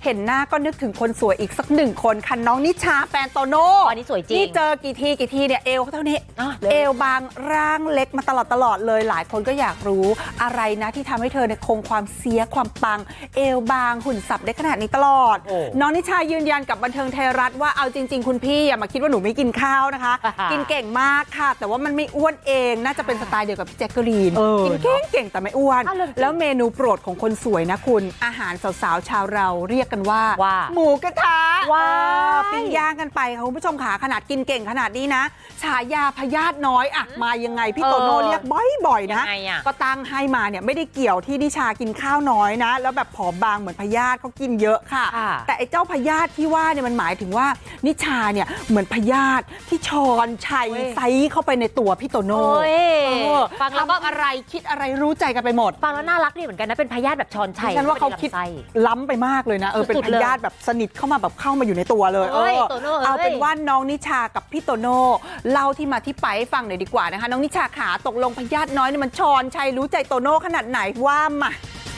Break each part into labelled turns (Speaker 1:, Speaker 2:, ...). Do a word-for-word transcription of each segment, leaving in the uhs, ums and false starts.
Speaker 1: ห็นหน้าก็นึกถึงคนสวยอีกสักหนึ่งคนค่ะน้องนิชาแฟนโตโน่
Speaker 2: อันนี้สวยจริง
Speaker 1: นี่เจอกี่ทีกี่ทีเนี่ยเอวเท่านี้เอวบางร่างเล็กมาตลอดตลอดเลยหลายคนก็อยากรู้อะไรนะที่ทำให้เธอเนี่ยคงความเสียความปังเอวบางหุ่นสับได้ขนาดนี้ตลอดน้องนิชายืนยันกับบันเทิงไทยรัฐว่าเอาจริงๆคุณพี่อย่ามาคิดว่าหนูไม่กินข้าวนะคะ กินเก่งมากค่ะแต่ว่ามันไม่อ้วนเองน่าจะเป็นสไตล์เดียวกับพี่แจ๊กกะลีนกินเก่งเก่งแต่ไม่อ้วนแล้วเมนูโปรดของคนสวยนะคุณอาหารสาวๆชาวเราเรียกกันว่าหมูกระทะว้าวปิ้งย่างกันไปค่ะคุณผู้ชมขาขนาดกินเก่งขนาดนี้นะฉายาพยาธิน้อยอะมายังไงพี่โตโน่เรียกบ่อยๆนะก็ตั้งให้มาเนี่ยไม่ได้เกี่ยวที่นิชากินข้าวน้อยนะแล้วแบบผอมบางเหมือนพยาธิเขากินเยอะค่ะแต่ไอ้เจ้าพยาธิที่ว่าเนี่ยมันหมายถึงว่านิชาเนี่ยเหมือนพยาธิที่ชอนชัยไซเข้าไปในตัวพี่โตโน่ฟังแล้วก็อะไรคิดอะไรรู้ใจกันไปหมด
Speaker 2: ฟังแล้วน่ารักดีเหมือนกันนะเป็นพยาธิแบบชอนชัย
Speaker 1: ฉันว่าเขาคิดล้ำไปมากเลยนะเออเป็นพยาธิแบบสนิทเข้ามาแบบเข้ามาอยู่ในตัวเลยเออเอาเป็นว่าน้องนิชากับพี่โตโน่เล่าที่มาที่ไปให้ฟังหน่อยดีกว่านะคะน้องนิชาขาตกลงพยาธิน้อยเนี่ยมันชอนชัยรู้ใจโตโน่ขนาดไหนว่ามา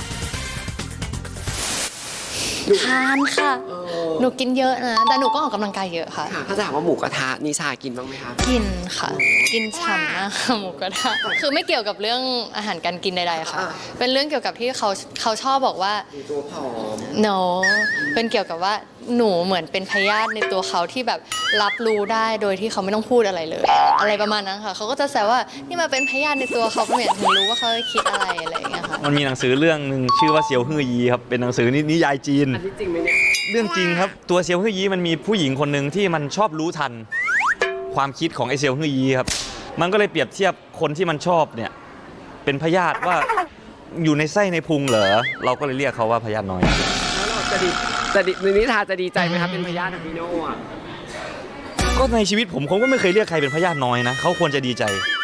Speaker 3: ทานค่ะหนูกินเยอะนะแต่หนูก็ออกกำลังกายเยอะค่ะ
Speaker 4: ถ้าจะถามว่าหมูกระทะนิชากินบ้างไหมคะ
Speaker 3: กินค่ะกินฉ่ำมากค่ะหมูกระทะคือไม่เกี่ยวกับเรื่องอาหารการกินใดๆค่ะเป็นเรื่องเกี่ยวกับที่เขาเขาชอบบอกว่า
Speaker 4: ตัวผอม
Speaker 3: no เป็นเกี่ยวกับว่าหนูเหมือนเป็นพยาธิในตัวเขาที่แบบรับรู้ได้โดยที่เขาไม่ต้องพูดอะไรเลยอะไรประมาณนั้นค่ะเขาก็จะแซวว่านี่มาเป็นพยาธิในตัวเขาเหมือนถึงรู้ว่าเขาคิดอะไรอะไรอย่างเงี้ยค่ะ
Speaker 5: มันมีหนังสือเรื่องหนึ่งชื่อว่าเซียวฮื่อยีครับเป็นหนังสือนิยายจีน
Speaker 4: อันนี้จริงไหมเนี่ย
Speaker 5: เรื่องจริงครับตัวเซียวฮื่อยีมันมีผู้หญิงคนหนึ่งที่มันชอบรู้ทันความคิดของไอเซียวฮื่อยีครับมันก็เลยเปรียบเทียบคนที่มันชอบเนี่ยเป็นพยาธิว่าอยู่ในไส้ในพุงเหรอเราก็เลยเรียกเขาว่าพยาธิน้อย
Speaker 4: แล้วเราจะดีจะดีนิชาจะดีใจไหมครับเป็นพยาธิของพี่โน่อะ
Speaker 5: ก็ในชีวิตผมผมก็ไม่เคยเรียกใครเป็นพยาธิน้อยนะเขาควรจะดีใจ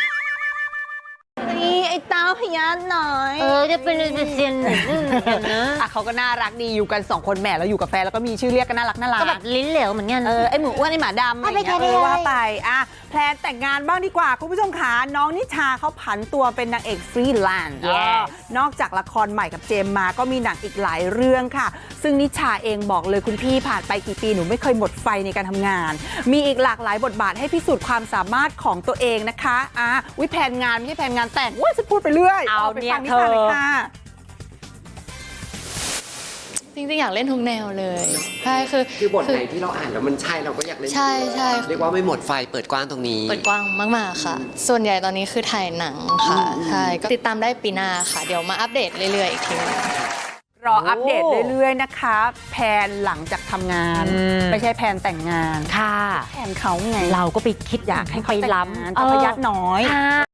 Speaker 1: นี่ไอ้เต้าพยาธิน้อย
Speaker 2: เออจะเป็นเซียนหนึ่งนะ
Speaker 1: อ่ะเขาก็น่ารักดีอยู่กันสองคนแหม่แล้วอยู่กับแฟนแล้วก็มีชื่อเรียกกันน่ารักน่ารัก
Speaker 2: ก็แบบลิ้นเหลวเหมือนกัน
Speaker 1: เออไอหมูอ้วนไอหมาดำอะไรอย่างเงี้ยว่าไปอ่ะแพลนแต่งงานบ้างดีกว่าคุณผู้ชมขาน้องนิชาเขาผันตัวเป็นนางเอกฟรีแลนซ์นอกจากละครใหม่กับเจมมาก็มีหนังอีกหลายเรื่องค่ะซึ่งนิชาเองบอกเลยคุณพี่ผ่านไปกี่ปีหนูไม่เคยหมดไฟในการทำงานมีอีกหลากหลายบทบาทให้พิสูจน์ความสามารถของตัวเองนะคะอ่ะวิแพนงานไม่ใช่แพนงานแต่งว่าจะพูดไปเรื่อย
Speaker 2: เอา
Speaker 1: ไป
Speaker 2: เนี่ย
Speaker 1: ฟังนิชาเลยค่ะ
Speaker 3: จริงๆอยากเล่นทุกแนวเลยใช่คือ
Speaker 4: คือบทไหนที่เราอ่านแล้วมันใช่เราก็อยากเล่น
Speaker 3: ใช่ใช่
Speaker 4: เรียกว่าไม่หมดไฟเปิดกว้างตรงนี้
Speaker 3: เปิดกว้างมากๆค่ะส่วนใหญ่ตอนนี้คือถ่ายหนังค่ะใช่ก็ติดตามได้ปีหน้าค่ะเดี๋ยวมาอัปเดตเรื่อยๆอีกทีนึง
Speaker 1: รออัปเดตเรื่อยๆนะคะแพนหลังจากทำงานไม่ใช่แพนแต่งงาน
Speaker 2: ค่ะ
Speaker 1: แพนเขาไง
Speaker 2: เราก็ไปคิด
Speaker 1: อยากให้เขา
Speaker 2: ไปล้
Speaker 1: ำแต่พยาธิน้อย